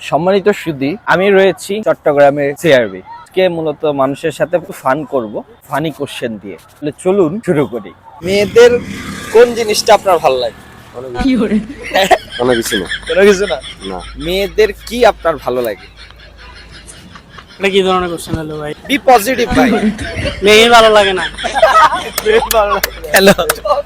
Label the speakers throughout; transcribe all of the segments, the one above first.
Speaker 1: সম্মানিত সুধী, আমি রয়েছি চট্টগ্রামের সিআরবি কে মূলত মানুষের সাথে ফান করব ফানি কোশ্চেন দিয়ে। তাহলে চলুন শুরু করি। মেয়েদের কোন জিনিসটা আপনার ভালো লাগে?
Speaker 2: কোনো কিছু না।
Speaker 1: কোনো কিছু না।
Speaker 2: না।
Speaker 1: মেয়েদের কি আপনার ভালো লাগে?
Speaker 3: এটা কি ধরনের কোশ্চেন হলো ভাই?
Speaker 1: বি পজিটিভ ভাই।
Speaker 3: মেয়ে ভালো লাগে না।
Speaker 1: হ্যালো,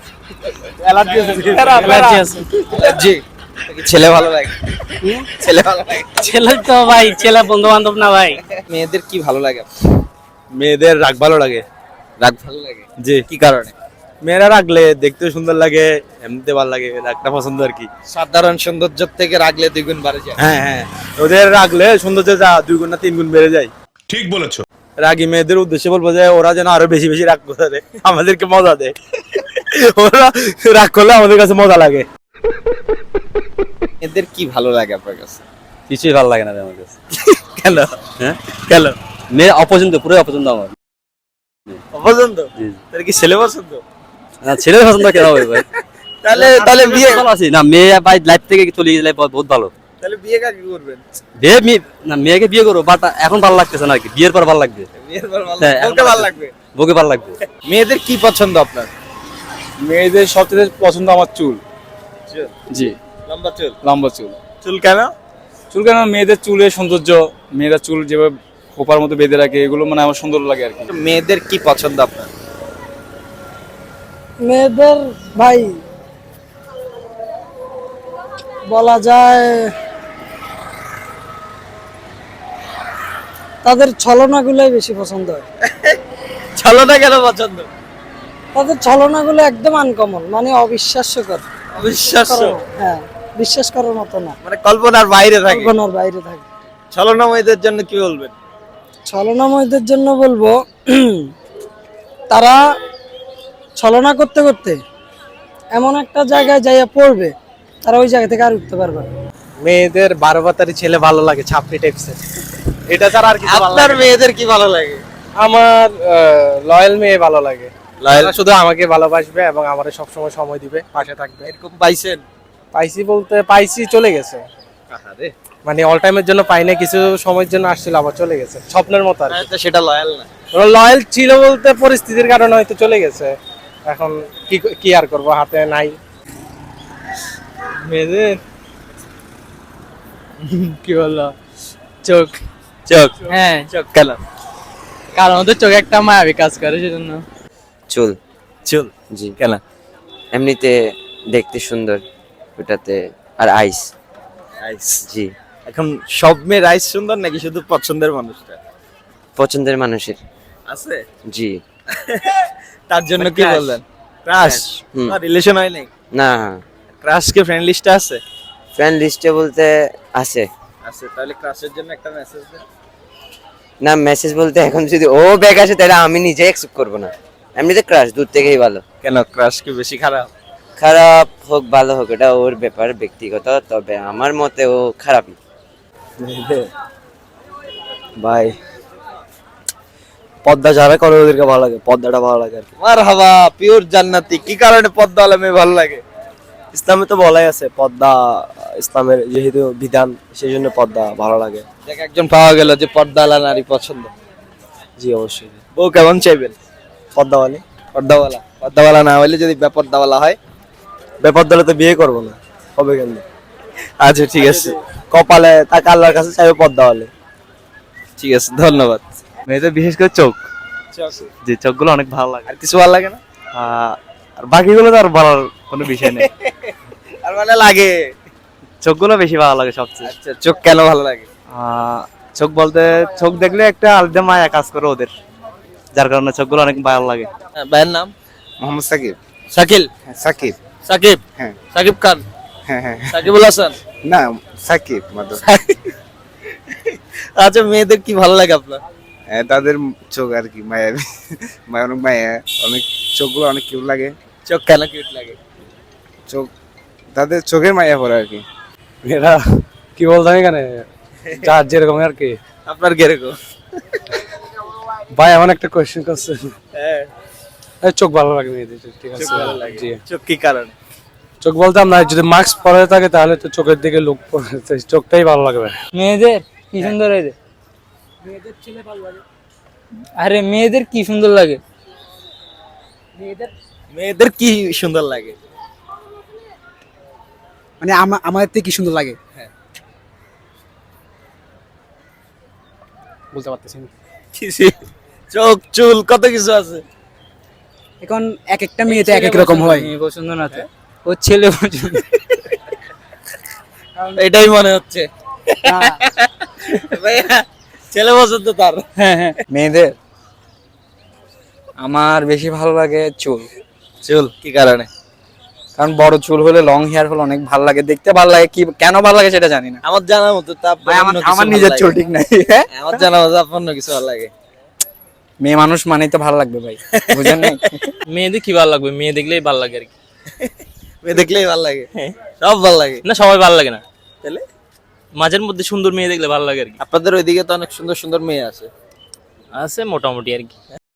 Speaker 3: অ্যালার্জি আছে।
Speaker 1: জি, ছেলে ভালো লাগে? ছেলে ভালো লাগে।
Speaker 3: ছেলে তো ভাই, ছেলে বন্ধু বান্ধব না ভাই।
Speaker 1: মেয়েদের কি ভালো লাগে?
Speaker 2: মেয়েদের রাগ ভালো লাগে।
Speaker 1: রাগ ভালো লাগে?
Speaker 2: জি।
Speaker 1: কি কারণে?
Speaker 2: মেয়েরা রাগলে দেখতে সুন্দর লাগে, এমনিতে ভালো লাগে, রাগটা পছন্দ আর কি।
Speaker 1: সাধারণ সৌন্দর্য থেকে রাগলে দ্বিগুণ বাড়ে যায়।
Speaker 2: হ্যাঁ হ্যাঁ, ওদের রাগলে সৌন্দর্য যা 2 গুণ না 3 গুণ বেড়ে যায়।
Speaker 4: ঠিক বলেছো।
Speaker 2: রাগী মেয়েদের উদ্দেশ্যে বলবো যে ওরা যেন আরো বেশি বেশি রাগ করে আমাদেরকে মজা দেয়। ওরা রাগ করলে আমাদের কাছে মজা লাগে।
Speaker 1: মেয়েদের কি ভালো লাগে আপনার কাছে?
Speaker 2: কিছুই ভালো লাগে না আমার কাছে।
Speaker 1: কেন?
Speaker 2: হ্যাঁ,
Speaker 1: কেন?
Speaker 2: মেয়ে অপছন্দ, পুরো অপছন্দ আমার।
Speaker 1: অপছন্দ? তাহলে কি ছেলে পছন্দ?
Speaker 2: না, ছেলে পছন্দ কেন হবে ভাই?
Speaker 1: তাহলে বিয়ে
Speaker 2: ভালো আছি না, মেয়ে ভাই লাইফ থেকে চলে গেলে বহুত ভালো।
Speaker 1: তাহলে বিয়ে কাকে করবেন?
Speaker 2: না, মেয়েকে বিয়ে করবো, বাট এখন ভালো লাগতেছে না আর কি, বিয়ের পর ভালো লাগবে।
Speaker 1: বিয়ের পর ভালো
Speaker 2: হ্যাঁ,
Speaker 1: বউকে ভালো লাগবে।
Speaker 2: বউকে ভালো লাগবে।
Speaker 1: মেয়েদের কি পছন্দ আপনার?
Speaker 2: মেয়েদের সবচেয়ে পছন্দ আমার চুল। জি,
Speaker 1: লম্বা চুল।
Speaker 2: লম্বা চুল।
Speaker 1: চুল কেন?
Speaker 2: চুল কেন? মেয়েদের চুলের সৌন্দর্য, মেয়েরা চুল যেভাবে খোপার মতো বেঁধে রাখে, এগুলো মানে আমার সুন্দর লাগে আর কি।
Speaker 1: মেয়েদের কি পছন্দ আপনার?
Speaker 3: মেয়েদের ভাই বলা যায় তাদের ছলনাগুলোই বেশি পছন্দ হয়।
Speaker 1: ছলনা কেন পছন্দ?
Speaker 3: তাদের ছলনাগুলো একদম আনকমন, মানে অবিশ্বাস্যকর।
Speaker 1: অবিশ্বাস্য,
Speaker 3: হ্যাঁ, বিশ্বাস করার মতো না,
Speaker 1: মানে কল্পনার বাইরে থাকে।
Speaker 3: কল্পনার বাইরে থাকে।
Speaker 1: ছলনা মেয়েদের জন্য কি বলবেন?
Speaker 3: ছলনাময়ীদের জন্য বলবো তারা ছলনা করতে করতে এমন একটা জায়গায় যাইয়া পড়বে, তারা ওই জায়গা থেকে আর উঠতে পারবে না।
Speaker 5: মেয়েদের 12 বাতারি ছেলে ভালো লাগে, ছাপড়ি টাইপসের। এটা ছাড়া আর কিছু ভালো
Speaker 1: আপনার
Speaker 5: লাগে না।
Speaker 1: মেয়েদের কি ভালো লাগে?
Speaker 5: আমার লয়াল মেয়ে ভালো লাগে।
Speaker 1: লয়াল
Speaker 5: তারা শুধু আমাকে ভালোবাসবে এবং আমারে সবসময় সময় দিবে, পাশে থাকবে।
Speaker 1: এরকম পাইছেন?
Speaker 5: পাইছি বলতে পাইছি, চলে গেছে।
Speaker 1: আহারে,
Speaker 5: মানে অল টাইমের জন্য পাই না, কিছু সময়ের জন্য আসছিল, আবার চলে গেছে, স্বপ্নের মতো আর কি।
Speaker 1: তো সেটা লয়াল না।
Speaker 5: ওরা লয়াল ছিল বলতে পরিস্থিতির কারণে হয়তো চলে গেছে। এখন কি আর করবো, হাতে নাই।
Speaker 6: মেয়েদের কি বললো, চোখ।
Speaker 1: চোখ?
Speaker 6: হ্যাঁ,
Speaker 1: চোখ কেন?
Speaker 6: কারণ ওদের চোখে একটা মায়াবী কাজ করে, সেজন্য।
Speaker 7: চুল।
Speaker 1: চুল
Speaker 7: জি,
Speaker 1: কেন?
Speaker 7: এমনিতে দেখতে সুন্দর ওটাতে। আর আইস।
Speaker 1: আইস।
Speaker 7: জি,
Speaker 1: এখন সব মেয়ের আইস সুন্দর নাকি শুধু পছন্দের মানুষটা
Speaker 7: পছন্দের মানুষের।
Speaker 1: আছে?
Speaker 7: জি।
Speaker 1: তার জন্য কি
Speaker 7: Crush.
Speaker 1: বললেন? ক্রাশ?
Speaker 7: হুম।
Speaker 1: রিলেশন হয় নাই?
Speaker 7: না,
Speaker 1: ক্রাশ কি ফ্রেন্ড লিস্টে আছে?
Speaker 7: ফ্রেন্ড লিস্টে বলতে আছে।
Speaker 1: আছে, তাহলে ক্রাশের জন্য একটা মেসেজ দেন।
Speaker 7: না, মেসেজ বলতে এখন যদি ও ব্যাগ আসে তাহলে আমি নিজে অ্যাকসেপ্ট করবো না। এমনিতে ক্রাশ দূর থেকেই ভালো।
Speaker 1: কেন ক্রাশ কি বেশি খারাপ?
Speaker 7: খারাপ হোক ভালো হোক এটা ওর ব্যাপার, ব্যক্তিগত। তবে আমার মতে ও খারাপই।
Speaker 2: ভাই পদ্মা যারা করে ওদেরকে ভালো লাগে, পদ্মাটা ভালো লাগে আর কি।
Speaker 1: মারহাবা, পিওর জান্নাতি। কি কারণে পদ্মাওয়ালা মেয়ে ভালো লাগে?
Speaker 2: ইসলামে তো বলাই আছে পদ্মা ইসলামের যেহেতু বিধান, সেই জন্য পদ্মা ভালো লাগে।
Speaker 1: দেখ, একজন পাওয়া গেল যে পর্দাওয়ালা নারী পছন্দ।
Speaker 2: জি অবশ্যই।
Speaker 1: বউ কেমন চাইবেন?
Speaker 2: পদ্মাওয়ালি।
Speaker 1: পর্দাওয়ালা? পর্দাওয়ালা না হইলে যদি বেপর্দাওয়ালা হয়?
Speaker 2: বেপদ্দালে তো বিয়ে করবো না, হবে কেন?
Speaker 1: আচ্ছা, ঠিক আছে,
Speaker 2: কপালে তাকে আল্লাহর কাছে চাইবে পদ্মাওয়ালি।
Speaker 1: ঠিক আছে, ধন্যবাদ।
Speaker 2: মেয়েদের বিশেষ করে চোখ,
Speaker 1: চোখ?
Speaker 2: যে চোখগুলো অনেক ভালো লাগে।
Speaker 1: আর কিছু ভালো লাগে না?
Speaker 2: আর বাকিগুলো তো আর বলার কোনো বিষয় নেই।
Speaker 1: আর মানে লাগে?
Speaker 2: চোখগুলো বেশি ভালো লাগে সবচেয়ে।
Speaker 1: আচ্ছা, চোখ কেন ভালো লাগে?
Speaker 2: চোখ বলতে চোখ দেখলে একটা আলাদা মায়া কাজ করে ওদের, যার কারণে চোখগুলো অনেক ভালো লাগে।
Speaker 1: ভাইয়ের নাম?
Speaker 8: মোহাম্মদ সাকিব।
Speaker 1: শাকিল?
Speaker 8: সাকিব।
Speaker 1: সাকিব?
Speaker 8: হ্যাঁ।
Speaker 1: সাকিব খান?
Speaker 8: হ্যাঁ হ্যাঁ।
Speaker 1: সাকিবুল হাসান?
Speaker 8: না, সাকিব মাধব।
Speaker 1: আচ্ছা, মেয়েদের কি ভালো লাগে আপনার?
Speaker 8: তাদের চোখ আর কি মায়া, অনেক মায়া, অনেক চোখগুলো অনেক কিউট লাগে।
Speaker 1: চোখ কেন কিউট লাগে?
Speaker 8: চোখ, তাদের চোখের মায়া পড়ে আর কি।
Speaker 5: এরা কি বলতাম এখানে, যার যেরকম আর কি।
Speaker 1: আপনার কিরকম?
Speaker 5: ভাই এমন একটা কোয়েশ্চেন করছেন।
Speaker 1: হ্যাঁ,
Speaker 5: চোখ ভালো লাগে মেয়েদের, ঠিক আছে।
Speaker 1: চোখ ভালো লাগে।
Speaker 5: জি,
Speaker 1: চোখ কি কারণে?
Speaker 2: চোখ বলতে আমরা যদি মাস্ক পরে থাকে তাহলে তো চোখের দিকে লোক পড়ে, চোখটাই ভালো লাগবে।
Speaker 6: মেয়েদের কি সুন্দর এই রে। আরে মেয়েদের কি সুন্দর লাগে।
Speaker 1: মেয়েদের কি সুন্দর লাগে?
Speaker 4: মানে আমাদের থেকে কি সুন্দর লাগে বলতে পারতেছি না।
Speaker 1: চোখ চুল কত কিছু আছে।
Speaker 4: এখন এক একটা মেয়েতে এক এক রকম হয়।
Speaker 6: মেয়ে পছন্দ না তো, ও ছেলে পছন্দ।
Speaker 1: এটাই মনে হচ্ছে ভাইয়া, ছেলে পছন্দ তার।
Speaker 6: মেয়েদের আমার বেশি ভালো লাগে চুল।
Speaker 1: চুল কি কারণে?
Speaker 6: কারণ বড় চুল হলে, লং হেয়ার হলে অনেক ভালো লাগে, দেখতে ভালো লাগে। কি কেন ভালো লাগে সেটা জানি না।
Speaker 1: আমার জানা মতো তা
Speaker 6: আমার নিজের চুল ঠিক নাই।
Speaker 1: আমার জানা মতো আপনার কিছু ভালো লাগে।
Speaker 6: মেয়ে মানুষ মানেই তো ভালো লাগবে ভাই, বুঝেন নাই?
Speaker 9: মেয়েদের কি ভালো লাগবে, মেয়ে দেখলেই ভালো লাগে আর কি।
Speaker 1: মেয়ে দেখলেই ভালো লাগে, সব ভালো লাগে
Speaker 9: না সবাই ভালো লাগে না,
Speaker 1: তাহলে
Speaker 9: মাঝের মধ্যে সুন্দর মেয়ে দেখলে ভালো লাগে আর কি।
Speaker 1: আপনাদের ওইদিকে তো অনেক সুন্দর সুন্দর মেয়ে আছে।
Speaker 9: আছে মোটামুটি আর কি।